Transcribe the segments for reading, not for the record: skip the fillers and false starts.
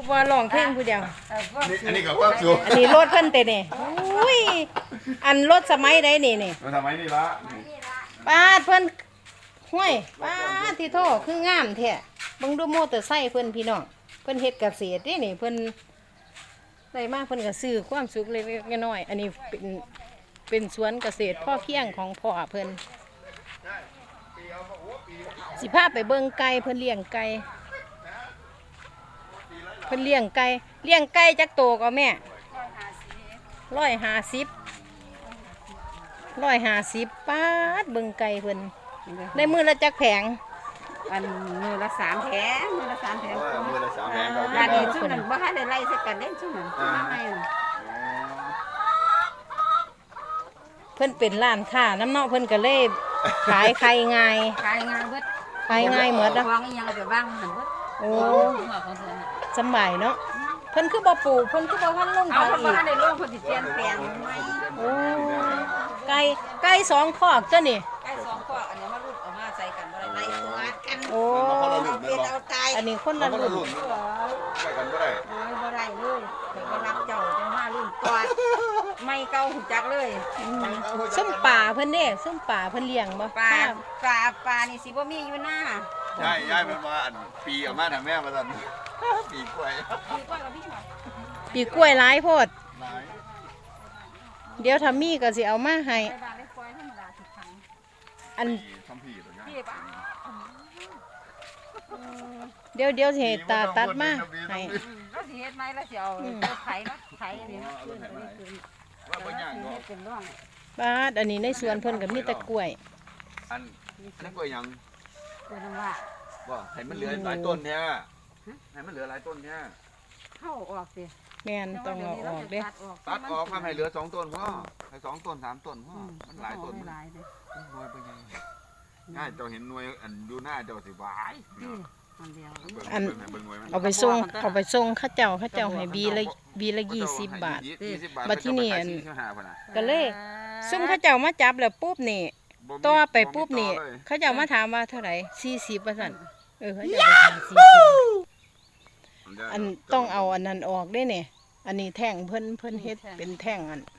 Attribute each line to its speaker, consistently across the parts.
Speaker 1: ว่าร้องเพลงผู้เดียว
Speaker 2: อันนี้กับความสุข
Speaker 1: อันนี้รถเพิ่นเตะนี่อุ้ยอันรถสมัยใดนี่
Speaker 2: มันทำไมนี่ละ
Speaker 1: ป้าเพิ่นห้วยป้าที่โทษคืองามแท้เบิ่งดูมอเตอร์ไซค์เพิ่นพี่น้องเพิ่นเฮ็ดเกษตรนี่เพิ่นได้มาเพิ่นก็ซื้อความสุขเล็กๆน้อยๆอันนี้เป็นสวนเกษตรพ่อเพียงของพ่อเพิ่นสิพาไปเบิ่งไก่เพิ่นเลี้ยงไก่เพิ่นเลี้ยงไก่จักโตก็แม่150ป้าดเบิ่งไก่เพิ่นได้มื้อละจักแผง
Speaker 3: อันมือละ3 แผง
Speaker 2: มือละ3แผง
Speaker 3: ร้านนี้ช่วงนั้นบ่ทันได้ไล่ใส่กันเล่นช่วงนั้นไม่
Speaker 1: เพิ่นเป็นร้านค้าน้ำเนาะเพิ่นก็เลยขายไข่ง่าย
Speaker 3: ขายงานเบิด
Speaker 1: ขายง่ายเหมือนนะ
Speaker 3: วางอีหยังก็ไปวางหั่นเบิด
Speaker 1: โอ้
Speaker 3: หัวของเพิ่นน่ะ
Speaker 1: สำบายเนาะเพิ่นคือบ่ปลูกเพิ่นคือบ่ทันลง
Speaker 3: เอา
Speaker 1: ขาย
Speaker 3: เพิ่นบ่
Speaker 1: อีก
Speaker 3: ทันได้ลงเพิ่นสิเปลี่ยนแปลงใหม่
Speaker 1: โอ้ไก่สองคอกจ้ะนี่
Speaker 3: ไก่2ข้ออันนี้มารุ่นเอามาใส่กันบ่ได้ไล่ตัวกัน
Speaker 1: โอ้
Speaker 3: เป็นเอาตาย
Speaker 1: อันนี้คนละรุ่น
Speaker 2: ใส่กันก็ได้
Speaker 3: บ่ได้เลยเดี๋ยวไปรับเจ้าจังมารุ่นกอดไม่เก่าหูจักเลย
Speaker 1: ส้มป่าเพิ่นเด้ส้มป่าเพิ่นเลี้ยงบ่
Speaker 3: ปลานี่สิบ่มีอยู่หน้า
Speaker 2: ย่ายมันมาอันปีออกมาทางแม่มาตันปีกล้วย
Speaker 3: คือก้อยกับพี่หมอ
Speaker 1: ปีกล้วยหลายโพด
Speaker 2: หลาย
Speaker 1: เดี๋ยวถ้ามีก็สิเอามาให้
Speaker 3: ไปบ้านไปปล่อยธรรมดาทุกครั้ง
Speaker 1: อัน
Speaker 2: ทำผีตัวนี้
Speaker 3: พี่ป่ะ
Speaker 1: เดี๋ยวสิให้ตาตัดมาให้
Speaker 3: แล้วสิเฮ็ดไหมแล้วสิเอาไถเนาะไถนี่เนาะขึ้นไปนี่ขึ้น
Speaker 2: ว่าเป็นอย่าง
Speaker 3: เฮ็
Speaker 2: เนาะ
Speaker 3: ดเป็นร่อง
Speaker 1: บาดอันนี้ในสวนเพิ่นก็มีแต่กล้วย
Speaker 2: อันนั้นกล้วยยัง
Speaker 3: เป็นน้ำว่า
Speaker 2: ว่าให้มันเหลือหลายต้นเนี่ยให้มันเหลือหลายต้นเนี่ย
Speaker 3: เข้าออกสิ
Speaker 1: แม่นต้องเอาออกเด้
Speaker 2: ตัดออกทำให้เหลือ2ต้นพ่อให้2ต้น3ต้นพ่อมันหลายต้น
Speaker 3: หลายเลย
Speaker 2: หน่วยเป็นยังง่ายเจ้าเห็นหน่วยอันดูหน้าเจ้าสิวาย
Speaker 3: มันเดียว
Speaker 1: เอาไปส่งเขาเจ้าให้บีละ20 บาท บัดที่นี่อัน ก็เลยซุ่มเขาเจ้ามาจับแล้วปุ๊บนี่ต่อไปปุ๊บนี่เขาเจ้ามาถามว่าเท่าไหร่40ว่าซั่นเขาเจ้าไปถาม40อันต้องเอาอันนั้นออกได้เนี่ยอันนี้แท่งเพิ่นเฮ็ดเป็นแท่งอัน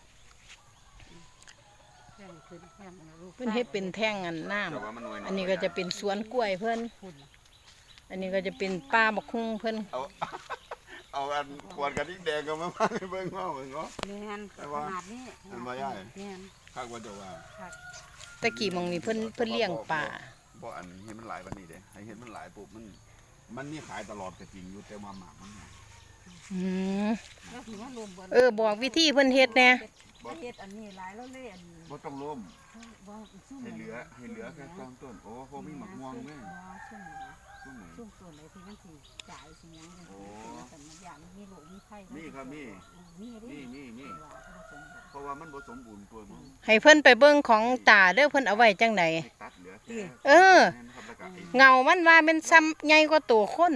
Speaker 1: เพิ่นเฮ็ดเป็นแท่งอันน้ำอันนี้ก็จะเป็นสวนกล้วยเพิ่นอันนี้ก็จะเป็นป่าบักฮุ่งเพิ่น
Speaker 2: เอาอันขวดกระดิ่งแดงก็มาให้เบิ่งเนาะ
Speaker 3: แม่นขนาดนี้แม่น
Speaker 2: ข้างว่าจะว่า
Speaker 1: ตะกี้มองนี่เพิ่นเลี้ยงป่า
Speaker 2: บ่อันเห็นมันหลายวันนี้เด้ให้เห็นมันหลายปุ๊บมันมีขายตลอดก็จริงอยู่แต่ว่าหมากมัน
Speaker 1: บอกวิธีเพิ่นเฮ็ดแน่
Speaker 3: เฮ็ดอันนี้หลายแล้วเลยอัน
Speaker 2: บ่ต้องล้มให้เหลือแค่2ต้นโอ้พอมีหมากม่วงแม่ซุ่ม
Speaker 3: ตัวไหนที่มันสิจ่ายสิหยังจังซี่แต่มันอย่างมีโรคมีไข้
Speaker 2: มีครับมีเพราะว่ามันบ่สมบูรณ์ตัวมัน
Speaker 1: ให้เพิ่นไปเบิ่งของตาเด้อเพิ่นเอาไว้จังได๋
Speaker 2: ตัดเหลือ
Speaker 1: เงามันว่าเป็นซ้ำใหญ่กว่าตัวคน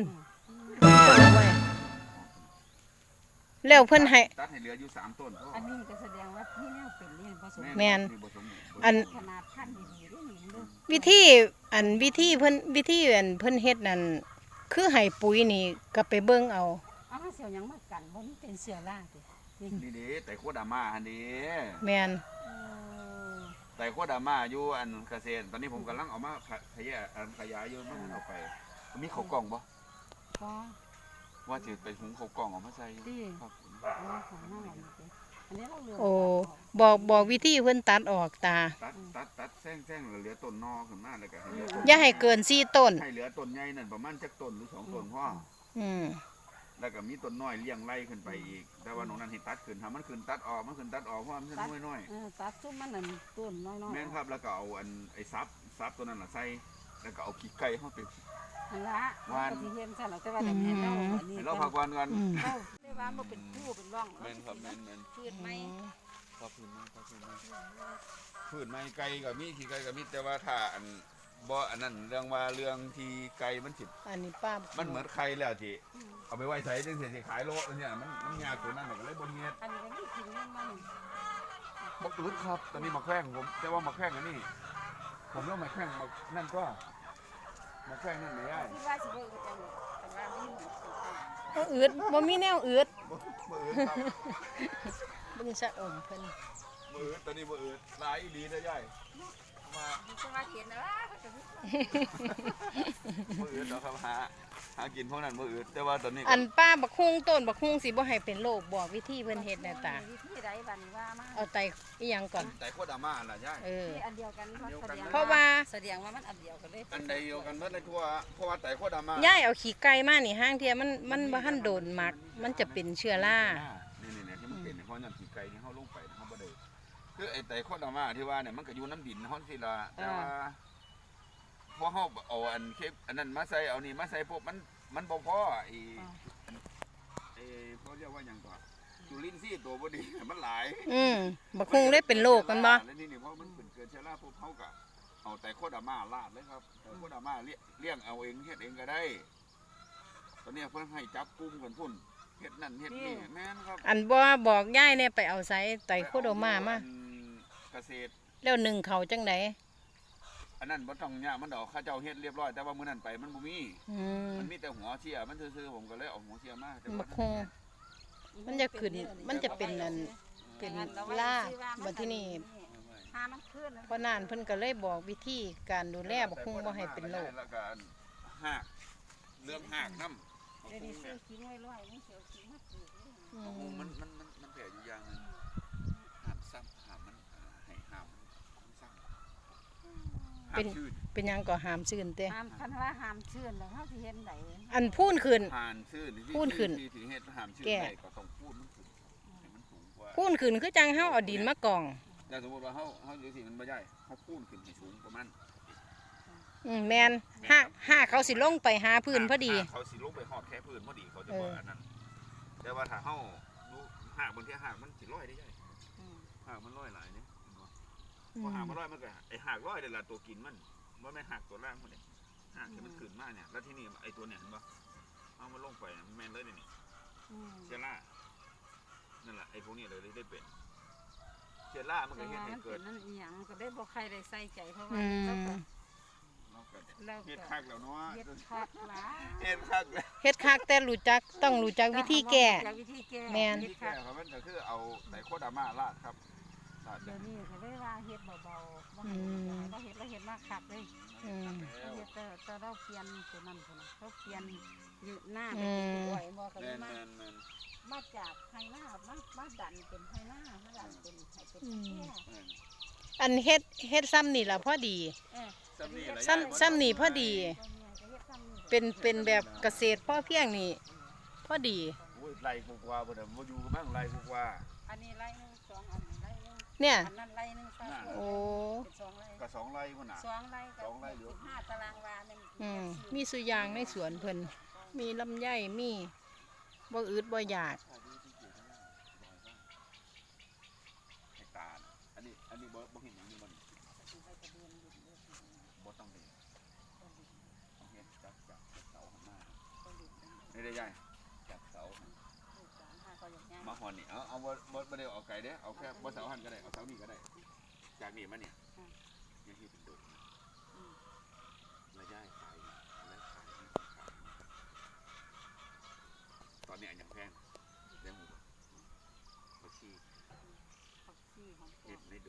Speaker 1: แล้วเพิ่นให้
Speaker 2: ตัดให้เหลืออยู่3ต้น
Speaker 3: อันนี้ก็แสดงว่าพี่แนวเป็นเลี้ยงผสม
Speaker 1: แม่นอัน
Speaker 3: ขนาดพันธุ์ดีๆด้วยนี่เด้อ
Speaker 1: วิธีเพิ่นเฮ็ดนั่นคือให้ปุ๋ยนี่ก็ไปเบิ่งเอา
Speaker 3: อ้าวเสี่ยวหยังมากันบ่มันเป็นเสือล่าติ
Speaker 2: นี่เด้แต่โคดามาอันนี้
Speaker 1: แม่น
Speaker 2: แต่โคดามาอยู่อันเกษตรตอนนี้ผมกำลังเอามาขยายอยู่มันเอาไปมีข้าวกล่องบ่
Speaker 3: พอ
Speaker 2: ว่าจะไปหุงข้าวกล่องเอามาใส่ครับ
Speaker 3: ของหน้าอันนี้เราเลือก
Speaker 1: โอ้บอกวิธีเพิ่นตัดออกตา
Speaker 2: ตัดแซงเหลือต้นนอขึ้นมาแล้วก็ให้เหลือต้น
Speaker 1: อย่าให้เกิน4ต้น
Speaker 2: ให้เหลือต้นใหญ่นั่นประมาณจักต้นหรือ2ต้นพ่อ แล้วก็มีต้นน้อยเลี้ยงไล่ขึ้นไปอีกแต่ว่าน้องนั้นให้ตัดขึ้นถ้ามันขึ้นตัดออกเพราะมันน้อย
Speaker 3: ตัดซุ่มมันนั่นต้นน้อยๆ
Speaker 2: แม่นครับแล้วก็เอาอันไอ้ซับตัวนั้นน่ะใส่แล้วก็เอาขี้ไก่เข้าไป
Speaker 3: อันละวันที่เฮ็ดซั่นแล้วแต่ว่าเดี๋ยวแม่เฮาอันนี้
Speaker 2: ให้เราพักวันกัน
Speaker 3: เฮาได้ว่าบ่เป็นผู้เป็นร่อง
Speaker 2: แม่นครับแม่น
Speaker 3: พืชไหม
Speaker 2: ครับพื้นไม้ไก่ก็มีขี้ไก่ก็มีแต่ว่าถ้าอันบ่อันนั้นเรื่องที่ไก่มันสิ
Speaker 1: อันนี้ป้า
Speaker 2: มันเหมือนไข่แล้วที่เอาไปไว้ใส่จังสิขายโลเนี่ยมันยากตัวนั้นก็เลยบ่เฮ็ด
Speaker 3: อันนี้ก็มีกินเงินมัน
Speaker 2: บ่อึดครับตอนนี้มาแข้งผมแต่ว่ามาแข้งอันนี้ผมเริ่มมาแข้งนั่นก็มาแข้งนั่นไม่ได้
Speaker 3: ที่ว่าสิเบิ่งจังแต่ว่ามีหมู่
Speaker 1: บ่อืดบ่มีแนวอืด
Speaker 2: บ่อืดครับ
Speaker 1: เบิ่งสะอมเพิ่น
Speaker 2: บ่อืดตอนนี้บ่อืดหลายอีหลีเด้อยายมา
Speaker 3: จะมาเห็นนะ
Speaker 2: บ่อืดดอกครับหากินพวกนั้นบ่อืดแต่ว่าตอนนี้ก็
Speaker 1: อันป้าบักฮุงต้นบักฮุงสิบ่ให้เป็นโรคบอกวิธีเพิ่นเฮ็ดแน่ตา
Speaker 3: วิธีใดบัดนี้ว่ามา
Speaker 1: เอาไตอีหยังก่อน
Speaker 2: แต่โคตรอาม่าล่ะยาย
Speaker 1: เออ
Speaker 3: ที่อันเดียวกัน
Speaker 1: เพราะว่า
Speaker 3: แสดงว่ามันอันเดียวกันเลย
Speaker 2: อันใดเดียวกันเบิดเลยทั่วเพราะว่าแต่โคตรอาม่า
Speaker 1: ย่ายเอาขี้ไก่มานี่ห้างเทียมันบ่ทันโดนหมัก มันจะเป็นเชื้อรา
Speaker 2: นี่ที่มันเป็นเพราะนั่นขี้ไก่ที่เฮาลงไปเฮาบ่ได้คือไอ้แต่โคตรอาม่าที่ว่าเนี่ยมันก็อยู่น้ำดินเฮาสิล่ะแต่ว่าพอเฮาเอาอันเคปอันนั้นมาใส่เอานี่มาใส่พวกมันบ่พอไอ้เขาเรียกว่าหยังก่อนจุลินทรีย์ตัวบ่ดีมันหลาย
Speaker 1: บักฮุงได้เป็นโรคกันบ่
Speaker 2: แล้วนี่เพราะมันเป็นเกิดเชื้อราพวกเขาก็เอาแต่โคตรอาม่าลาดเลยครับแต่โคตรอาม่าเลี้ยงเอาเองเฮ็ดเองก็ได้ตอนนี้เพิ่นให้จับกลุ่มกันพุ่นเฮ็ดนั่นเฮ็ดนี่แม่นครับ
Speaker 1: อันบ่บอกย่ายเนี่ยไปเอาไสไตโคโดมามา
Speaker 2: เกษตร
Speaker 1: แล้วหนึ่งเขาจังได
Speaker 2: อันนั้นบ่ต้องยากมันดอกข้าเจ้าเฮ็ดเรียบร้อยแต่ว่ามื้อนั้นไปมันบ่มี มันมีแต่หัวเชียมันซื่อๆผมก็เลยเอาหัวเชียมาแต่
Speaker 1: บักฮุงมันจะขึ้นมันจะเป็นอันเป็นล่าบัดที่นี่
Speaker 3: หามันขึ้น
Speaker 1: เพราะนานเพิ่นก็เลยบอกวิธีการดูแลบักฮุงบ่ให้เป็นโรค
Speaker 2: แล้วก็หากเรื่องหากน้ำ
Speaker 3: เดี๋ยวนี้ซื้อขิงไว้ร้อยนี่เสียวขิงมาปลูกเลย
Speaker 2: มันแผลอยู่อย่างนึงหามซ้ำหามมันให้หามมันซ้ำหามชื่น
Speaker 1: เป็นหยังก็หามซื่นเต้
Speaker 3: ห้ามคันว่าห้ามเชื่อนแล้วเฮาสิเห็นได
Speaker 1: อันพูนขึ้น
Speaker 2: ผ่านชื่น
Speaker 1: พูนขึ้น
Speaker 2: ที่เฮ็ดหามชื่น
Speaker 1: แก่
Speaker 2: ได้ก็ต้องพูนมันขึ้นให้มันสูงกว่า
Speaker 1: พูนขึ้นคือจังเฮาเอาดินมากอง
Speaker 2: แต่สมมติว่าเฮาอยู่สิมันบ่ได้เฮาพูนขึ้นให้สูงประมาณ
Speaker 1: แม่นห้าเขาสิลงไปหาพื้นพอดี
Speaker 2: เขาสิลงไปฮอดแค่พื้นพอดีเขาจะว่าอันนั้นแต่ว่าถ้าเฮาดูหากบางทีหากมันสิลอยได้ใหญ่หากมันลอยหลายเนี่ยเห็นบ่พอหากมันลอยมันก็ไอ้หากลอยนี่ล่ะตัวกินมันบ่แม่นหากตัวล่างพุ่นนี่หากที่มันขึ้นมาเนี่ยแล้วที่นี่ไอ้ตัวเนี่ยเห็นบ่เอามันลงไปมันแม่นเลยนี่เชื้อรานั่นแหละไอ้พวกนี้เลยได้เป็นเชื้อรามันก็เฮ็ดให้เกิด
Speaker 3: นั่นอีหยังก็ได้บ่ใครได้ใส่ใจเพราะว่า
Speaker 2: เฮ็ดคักแล้วเนาะ
Speaker 3: เฮ็ดคักหลาย
Speaker 2: เฮ็ดคักแล้ว
Speaker 1: เฮ็ดคักแต่ต้องรู้จักวิธีแก้
Speaker 3: วิธีแก้
Speaker 1: แม่น
Speaker 3: เฮ็ด
Speaker 2: ที่แก่
Speaker 3: คัก
Speaker 2: ครับมันก็คือเอาไตโคดาม่าราดครับราด
Speaker 3: เดี๋ยวนี้เขาได้ว่าเฮ็ดเบาๆบ่เฮ็ดแล้วเฮ็ดมาคักเลย
Speaker 1: อืม
Speaker 3: เฮ็ดแต่เราเปลี่ยนตัวนั้นพุ่นน่ะเขาเปลี่ยนอยู่หน้าเป็นป่วยบ่ก็เลยมาจากไฮหน้ามาดันเป็นไฮหน้ามาดันเป็นให้เป็นแก่
Speaker 1: อันเฮ็ดซ้ำนี่ล่ะพอดีซ้ำนี่พอดี เป็นแบบเกษตรพ่อเพียงนี่พอดี
Speaker 2: โอ้ยไล่กว่าบ่ได้บ่อยู่กับมั่งไล่กว่า
Speaker 3: อันนี้ไร่นึง2อันไร่นึง
Speaker 1: เนี่ย
Speaker 3: อันนั้นไร่นึงซะ
Speaker 1: โอ้
Speaker 3: เป็น2ไร่
Speaker 2: ก็2ไร่พุ่นน่ะ
Speaker 3: 2ไร่กับ15ตารางวาเนี่ย
Speaker 1: มีสุยางในสวนเพิ่นมีลำไยมีบ่อืดบ่อยาก
Speaker 2: ให้ตาอันนี้บ่เห็นหยังนี่บ่นี่บ่ต้องเห็นเอาเฮ็ดจากเสาข้างหน้านี่ได้ใหญ่จากเสามาหอนนี่เอาบ่ได้เอาไกลเด้เอาแค่บ่เสาหันก็ได้เอาเสานี่ก็ได้จากนี่มาเนี่ยยังที่เป็นโดดระยะขายแล้วขายตอนนี้อันยังแพงเรื่องหมูผักชีเห็ดในดุ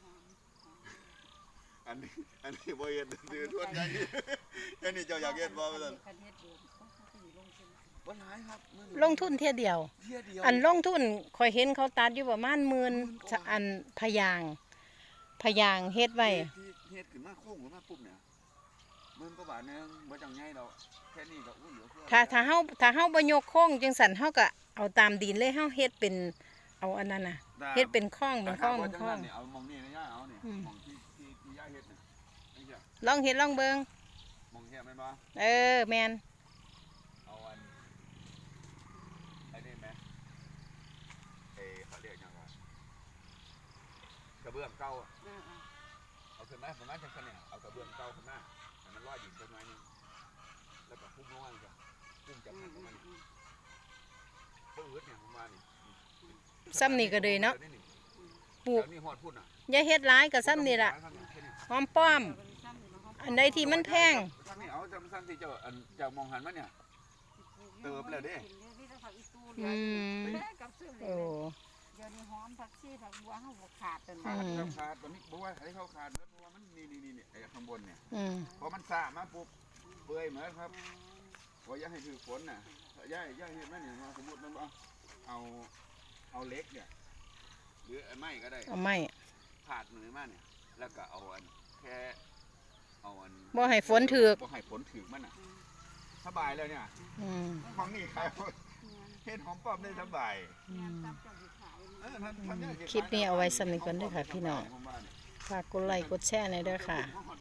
Speaker 2: อันนี้บ่เห็ดดื้อทวนอย่างนี้อันนี้เจ้าอยากเห็ดบ่ซั่นบ่หลายครับ
Speaker 1: ลงทุนเที่ยเดียว
Speaker 2: เที่ยเดียว
Speaker 1: อันลงทุนข่อยเห็นเขาตัดอยู่ประมาณ10,000อันพะยางเฮ็ดไว้
Speaker 2: ที่เฮ็ดขึ้นมาโค้งขึ้นมาปุ๊บเนี่ย10,000กว่าบาทนึงบ่จังใหญ่ดอกแค่นี้ก็อู้เหลือเฟือ
Speaker 1: ถ้าเฮาบ่ยกโค้งจังซั่นเฮาก็เอาตามดินเลยเฮาเฮ็ดเป็นเอาอันนั้นน่ะเฮ็ดเป็นข้องเป็นข้องเป็นข้อง
Speaker 2: เอามองนี่นะย่าเอานี่มองที่ย่าเฮ็ดนี่นี่จ้ะ
Speaker 1: ลองเฮ็ดลองเบิ่ง
Speaker 2: มองเฮ็ดแม่นบ่
Speaker 1: แม่น
Speaker 2: เอาอันไอ้นี่แม่เขาเรียกหยังว่ากระเบื้องเก่าเอาขึ้นมาประมาณจังซั่นเนี่ยเอากระเบื้องเก่าขึ้นมาให้มันลอยดินต้นไม้นึงแล้วก็พุ่งลงมาจ้ะพุ่งจากหันลงมานี่บ่อืดเนี่ยผมว่านี่
Speaker 1: ซ้ำนี่ก็เลยเนาะปลูก
Speaker 2: นี่ฮอดพุ่นน่ะ
Speaker 1: อย่าเฮ็ดหลายก็ซ้ำนี่ล่ะหอมป้อม อันใดที่มันแพง
Speaker 2: นี่เอาจำสั้นที่เจ้ามองหันมันเนี่ยเติบแล้วเด้
Speaker 3: ผักอีตูเหลือ
Speaker 1: อืม
Speaker 3: แม่กับซื้อเล
Speaker 1: โอ้
Speaker 3: ยเดี๋ยวนี้หอมผักชีผักบัวเฮาบ่ขาดกัน
Speaker 2: ขา
Speaker 3: ว่า
Speaker 2: ดครับขาดตอนนี้บอกว่าให้เขาขาดแล้วเพราะว่ามันนี่ไอ้ข้างบนเนี่ย
Speaker 1: อืม
Speaker 2: พอมันสามาปุ๊บเปื่อยเหมือนครับพออย่าให้ถือฝนน่ะย่าเห็นไหมเนี่ยสมมติมันเอาเล็กเนี่ยหรือไม้ก็ได้
Speaker 1: เอาไม้
Speaker 2: ผาดมือมาเนี่ยแล้วก็เอาอันแค่เอาอัน
Speaker 1: บ่ให้ฝนถึก
Speaker 2: บ่ให้ฝนถึกมันน่ะสบายแล้วเนี่ย
Speaker 1: อืม
Speaker 2: ของนี่ขายเห็ดหอมป้อมได้สบาย
Speaker 1: อืม
Speaker 3: ตับจะสิขาย
Speaker 2: ท่าน
Speaker 1: คลิปนี้เอาไว้สำหรับนี้ก่อนเด้อค่ะพี่น้อง ฝากกดไลค์กดแชร์หน่อยเด้อค่ะ